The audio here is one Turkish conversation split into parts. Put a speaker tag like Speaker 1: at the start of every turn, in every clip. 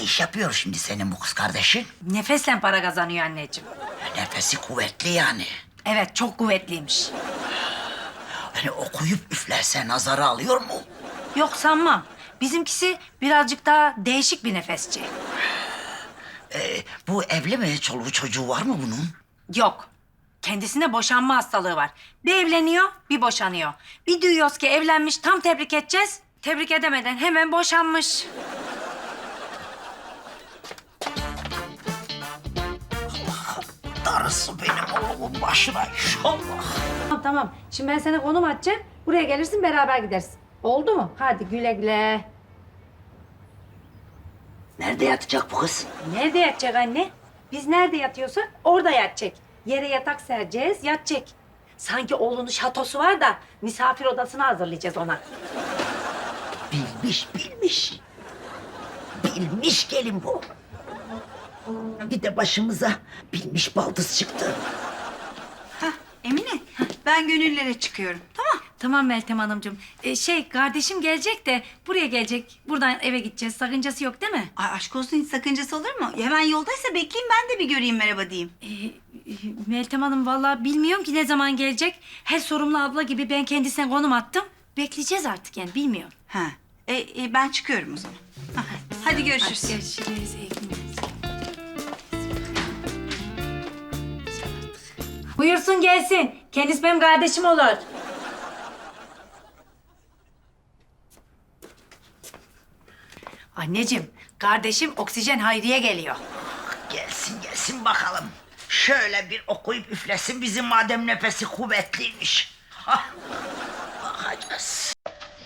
Speaker 1: iş yapıyor şimdi senin bu kız kardeşin?
Speaker 2: Nefesle para kazanıyor anneciğim.
Speaker 1: Nefesi kuvvetli yani.
Speaker 2: Evet, çok kuvvetliymiş.
Speaker 1: Hani okuyup üflerse nazara alıyor mu?
Speaker 2: Yok sanmam. Bizimkisi birazcık daha değişik bir nefesçi.
Speaker 1: Bu evli mi? Çoluğu çocuğu var mı bunun?
Speaker 2: Yok. Kendisinde boşanma hastalığı var. Bir evleniyor, bir boşanıyor. Bir duyuyoruz ki evlenmiş, tam tebrik edeceğiz. Tebrik edemeden hemen boşanmış.
Speaker 1: Darısı benim oğlumun başına inşallah.
Speaker 2: Tamam tamam. Şimdi ben sana konum atacağım. Buraya gelirsin, beraber gideriz. Oldu mu? Hadi güle güle.
Speaker 1: Nerede yatacak bu kız?
Speaker 2: Nerede yatacak anne? Biz nerede yatıyorsak orada yatacak. Yere yatak sereceğiz, yatacak. Sanki oğlunun şatosu var da misafir odasını hazırlayacağız ona.
Speaker 1: Bilmiş, bilmiş. Bilmiş gelin bu. Bir de başımıza bilmiş baldız çıktı.
Speaker 3: Emine, ben gönüllere çıkıyorum. Tamam.
Speaker 2: Tamam Meltem Hanımcığım. Kardeşim gelecek de buraya gelecek. Buradan eve gideceğiz. Sakıncası yok değil mi?
Speaker 3: Ay aşk olsun, hiç sakıncası olur mu? Hemen yoldaysa bekleyeyim, ben de bir göreyim, merhaba diyeyim.
Speaker 2: Meltem Hanım vallahi bilmiyorum ki ne zaman gelecek. Her sorumlu abla gibi ben kendisine konum attım. Bekleyeceğiz artık yani bilmiyorum.
Speaker 3: Ha. Ben çıkıyorum o zaman. Hadi görüşürüz.
Speaker 2: Hadi görüşürüz. İyi günler. Buyursun gelsin. Kendisi benim kardeşim olur. Anneciğim, kardeşim Oksijen Hayriye geliyor.
Speaker 1: Gelsin gelsin bakalım. Şöyle bir okuyup üflesin bizim madem nefesi kuvvetliymiş. Hah, bakacağız.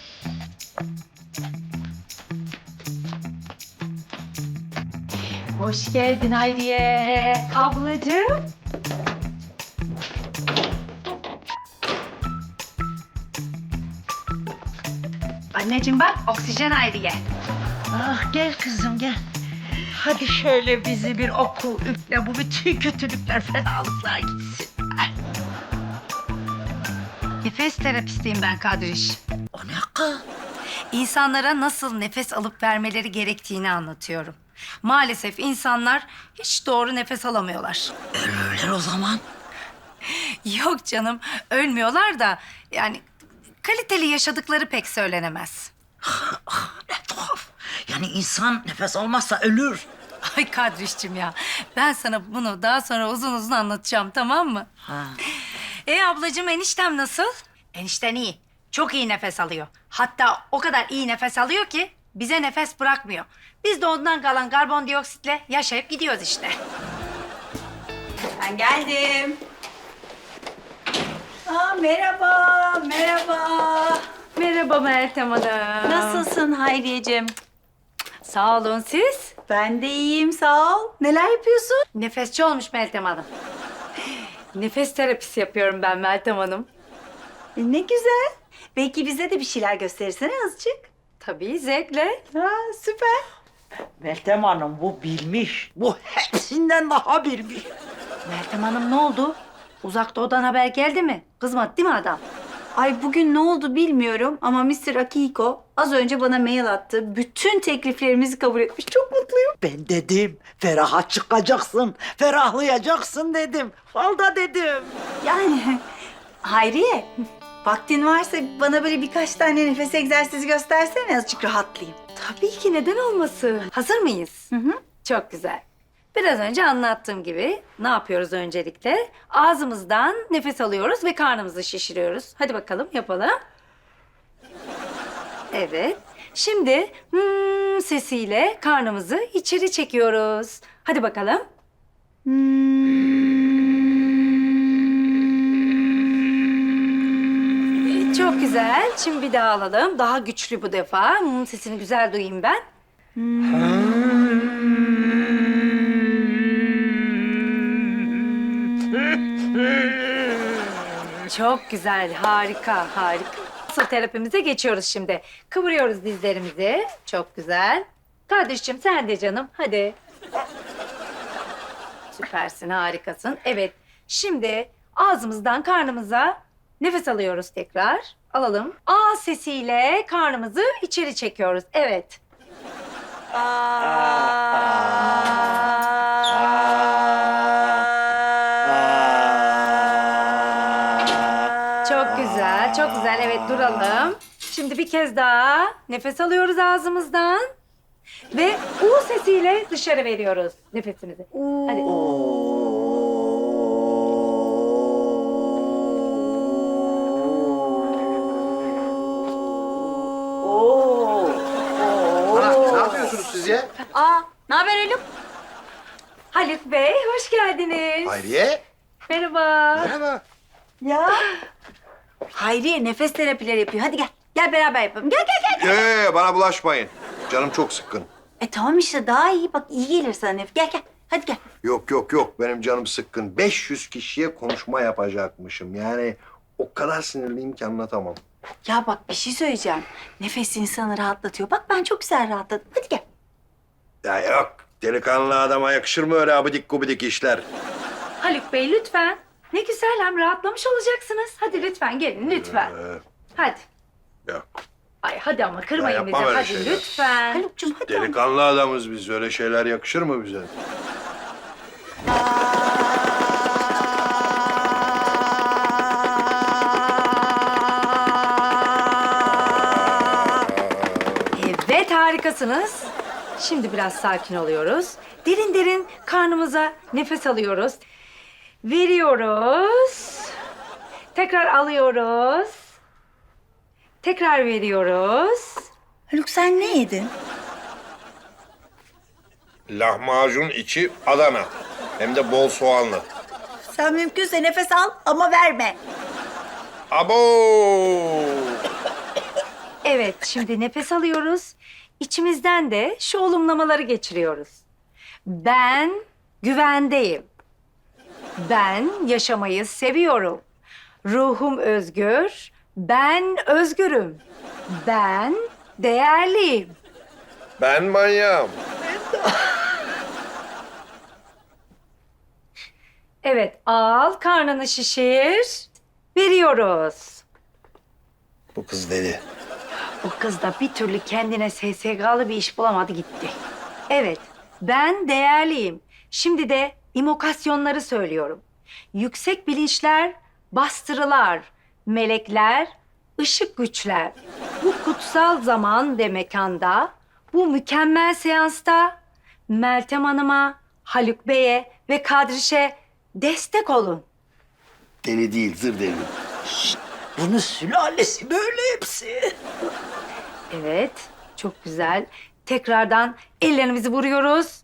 Speaker 2: Hoş geldin Hayriye. Ablacığım. Anneciğim bak, Oksijen Hayriye.
Speaker 1: Ah gel kızım gel. Hadi şöyle bizi bir oku üfle. Bu bütün kötülükler, fenalıklar gitsin. Ay,
Speaker 2: Nefes terapistiyim ben Kadriş.
Speaker 1: o ne kız?
Speaker 2: İnsanlara nasıl nefes alıp vermeleri gerektiğini anlatıyorum. Maalesef insanlar hiç doğru nefes alamıyorlar.
Speaker 1: Ölürler o zaman.
Speaker 2: Yok canım, ölmüyorlar da yani kaliteli yaşadıkları pek söylenemez.
Speaker 1: Ne tuhaf. Yani insan nefes almazsa ölür.
Speaker 2: Ay Kadriş'cim ya, ben sana bunu daha sonra uzun uzun anlatacağım, tamam mı?
Speaker 1: Ha.
Speaker 2: Ablacığım, eniştem nasıl? Enişten iyi, çok iyi nefes alıyor. Hatta o kadar iyi nefes alıyor ki bize nefes bırakmıyor. Biz de ondan kalan karbondioksitle yaşayıp gidiyoruz işte.
Speaker 3: Ben geldim. Merhaba, merhaba.
Speaker 2: Merhaba Meltem Hanım.
Speaker 3: Nasılsın Hayriyeciğim?
Speaker 2: Sağ olun, siz?
Speaker 3: Ben de iyiyim, sağ ol. Neler yapıyorsun?
Speaker 2: Nefesçi olmuş Meltem Hanım. Nefes terapisi yapıyorum ben Meltem Hanım.
Speaker 3: Ne güzel. Belki bize de bir şeyler gösterirsene azıcık.
Speaker 2: Tabii, zevkle.
Speaker 3: Ha, süper.
Speaker 1: Meltem Hanım bu bilmiş. Bu hepsinden daha bilmiş.
Speaker 2: Meltem Hanım ne oldu? Uzak Doğu'dan haber geldi mi? Kızmadı değil mi adam?
Speaker 3: Ay bugün ne oldu bilmiyorum ama Mr. Akiko az önce bana mail attı. Bütün tekliflerimizi kabul etmiş. Çok mutluyum.
Speaker 1: Ben dedim feraha çıkacaksın, ferahlayacaksın dedim. Falda dedim.
Speaker 3: Yani Hayriye, vaktin varsa bana böyle birkaç tane nefes egzersizi göstersene, azıcık rahatlayayım.
Speaker 2: Tabii ki, neden olmasın? Hazır mıyız?
Speaker 3: Hı hı.
Speaker 2: Çok güzel. Biraz önce anlattığım gibi ne yapıyoruz öncelikle? Ağzımızdan nefes alıyoruz ve karnımızı şişiriyoruz. Hadi bakalım yapalım. Evet. Şimdi sesiyle karnımızı içeri çekiyoruz. Hadi bakalım. Çok güzel. Şimdi bir daha alalım. Daha güçlü bu defa. Sesini güzel duyayım ben. Çok güzel, harika, harika. Asıl terapimize geçiyoruz şimdi. Kıvırıyoruz dizlerimizi. Çok güzel. Kardeşim sen de canım, hadi. Süpersin, harikasın. Evet, şimdi ağzımızdan karnımıza nefes alıyoruz tekrar. Alalım. A sesiyle karnımızı içeri çekiyoruz. Evet.
Speaker 3: Aa.
Speaker 2: Çok güzel, çok güzel. Evet, duralım. Şimdi bir kez daha nefes alıyoruz ağzımızdan. Ve U sesiyle dışarı veriyoruz nefesimizi. Hadi.
Speaker 4: Ne yapıyorsunuz siz ya?
Speaker 3: Aa, ne haber Haluk?
Speaker 2: Haluk Bey, hoş geldiniz.
Speaker 4: Hayriye.
Speaker 2: Merhaba.
Speaker 4: Merhaba.
Speaker 3: Ya. Hayriye nefes terapileri yapıyor. Hadi gel. Gel beraber yapalım. Gel gel gel.
Speaker 4: Bana bulaşmayın. Canım çok sıkkın.
Speaker 3: Tamam işte daha iyi. Bak iyi gelir sana nefes. Gel gel. Hadi gel.
Speaker 4: Yok. Benim canım sıkkın. 500 kişiye konuşma yapacakmışım. Yani o kadar sinirliyim ki anlatamam.
Speaker 3: Ya bak bir şey söyleyeceğim. Nefes insanı rahatlatıyor. Bak ben çok güzel rahatladım. Hadi gel.
Speaker 4: Ya yok. Delikanlı adama yakışır mı öyle abidik gubidik işler?
Speaker 2: Haluk Bey lütfen. Ne güzel hem rahatlamış olacaksınız. Hadi lütfen gelin lütfen. Hadi.
Speaker 4: Yok.
Speaker 2: Ay hadi ama kırmayın
Speaker 4: Ya
Speaker 2: bizi.
Speaker 4: yapmam öyle
Speaker 2: Hadi
Speaker 4: şeyler.
Speaker 2: lütfen.
Speaker 3: Haluk'cum hadi. ama.
Speaker 4: Delikanlı adamız biz. Öyle şeyler yakışır mı bize?
Speaker 2: Evet harikasınız. Şimdi biraz sakin oluyoruz. Derin derin karnımıza nefes alıyoruz. Veriyoruz. Tekrar alıyoruz. Tekrar veriyoruz.
Speaker 3: Haluk sen ne yedin?
Speaker 4: Lahmacun içi Adana. Hem de bol soğanlı.
Speaker 3: Sen mümkünse nefes al ama verme.
Speaker 4: Abo!
Speaker 2: Evet, şimdi nefes alıyoruz. İçimizden de şu olumlamaları geçiriyoruz. Ben güvendeyim. Ben yaşamayı seviyorum. Ruhum özgür. Ben özgürüm. Ben değerliyim.
Speaker 4: Ben manyağım.
Speaker 2: Evet, al karnını şişir. Veriyoruz.
Speaker 4: Bu kız deli.
Speaker 2: Bu kız da bir türlü kendine SSK'lı bir iş bulamadı gitti. Evet, ben değerliyim. Şimdi de imokasyonları söylüyorum. Yüksek bilinçler, bastırılar, melekler, ışık güçler. Bu kutsal zaman ve mekanda, bu mükemmel seansta Meltem Hanım'a, Haluk Bey'e ve Kadriş'e destek olun.
Speaker 4: Deli değil, zır deli.
Speaker 1: Bunun sülalesi böyle hepsi.
Speaker 2: Evet, çok güzel. Tekrardan ellerimizi vuruyoruz.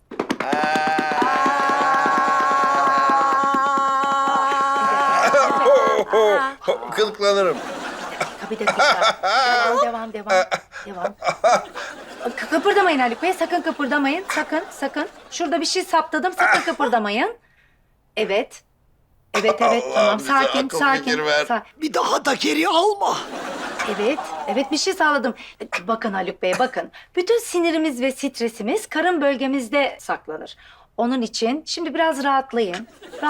Speaker 4: Kılıklanırım.
Speaker 2: Bir dakika. Devam. Kıpırdamayın Haluk Bey, sakın kıpırdamayın. Sakın. Şurada bir şey saptadım, sakın kıpırdamayın. Evet, tamam.
Speaker 4: bize
Speaker 2: Sakin.
Speaker 4: akıl fikir ver.
Speaker 1: Bir daha da geri alma.
Speaker 2: Evet bir şey sağladım. Bakın Haluk Bey, bakın. Bütün sinirimiz ve stresimiz karın bölgemizde saklanır. Onun için şimdi biraz rahatlayın.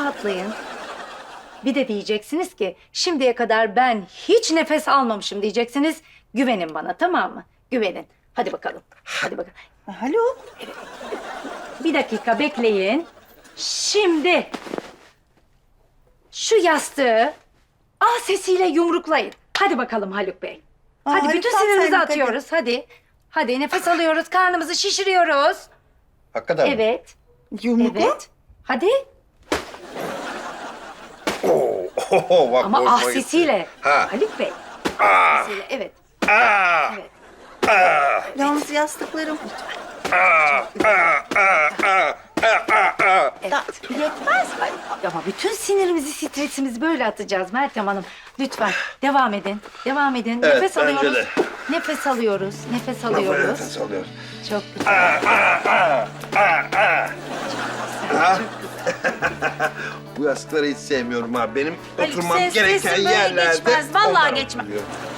Speaker 2: Bir de diyeceksiniz ki şimdiye kadar ben hiç nefes almamışım diyeceksiniz. Güvenin bana, tamam mı? Güvenin. Hadi bakalım.
Speaker 3: Haluk.
Speaker 2: Bir dakika bekleyin. Şimdi şu yastığı A sesiyle yumruklayın. Hadi bakalım Haluk Bey. Hadi
Speaker 3: Haluk,
Speaker 2: bütün
Speaker 3: tam
Speaker 2: sinirimizi
Speaker 3: senlik,
Speaker 2: atıyoruz. Hadi nefes alıyoruz, karnımızı şişiriyoruz.
Speaker 4: Hakikaten mi?
Speaker 2: Evet. Evet. Hadi.
Speaker 4: Bak,
Speaker 2: Ama
Speaker 4: hoşuma
Speaker 2: ah
Speaker 4: gitti.
Speaker 2: sesiyle.
Speaker 4: Ha.
Speaker 2: Haluk Bey.
Speaker 4: Ah,
Speaker 2: Sesiyle. Evet.
Speaker 4: ah,
Speaker 2: Evet.
Speaker 4: ah,
Speaker 3: Yalnız yastıklarım.
Speaker 4: ah, ah, ah, ah, ah, ah.
Speaker 2: Evet.
Speaker 3: Yetmez. Ay,
Speaker 2: Ama bütün sinirimizi, stresimizi böyle atacağız Meltem Hanım. Lütfen devam edin.
Speaker 4: Evet,
Speaker 2: Nefes
Speaker 4: bence
Speaker 2: alıyoruz.
Speaker 4: de.
Speaker 2: Nefes alıyoruz.
Speaker 4: Nefes alıyoruz.
Speaker 2: Çok güzel.
Speaker 4: Bu yastıkları hiç sevmiyorum ha. Benim
Speaker 3: Haluk,
Speaker 4: oturmam
Speaker 3: ses-
Speaker 4: gereken
Speaker 3: sesin böyle
Speaker 4: yerlerde...
Speaker 3: geçmez, vallahi
Speaker 4: onlar
Speaker 3: geçmez.
Speaker 4: oturuyor.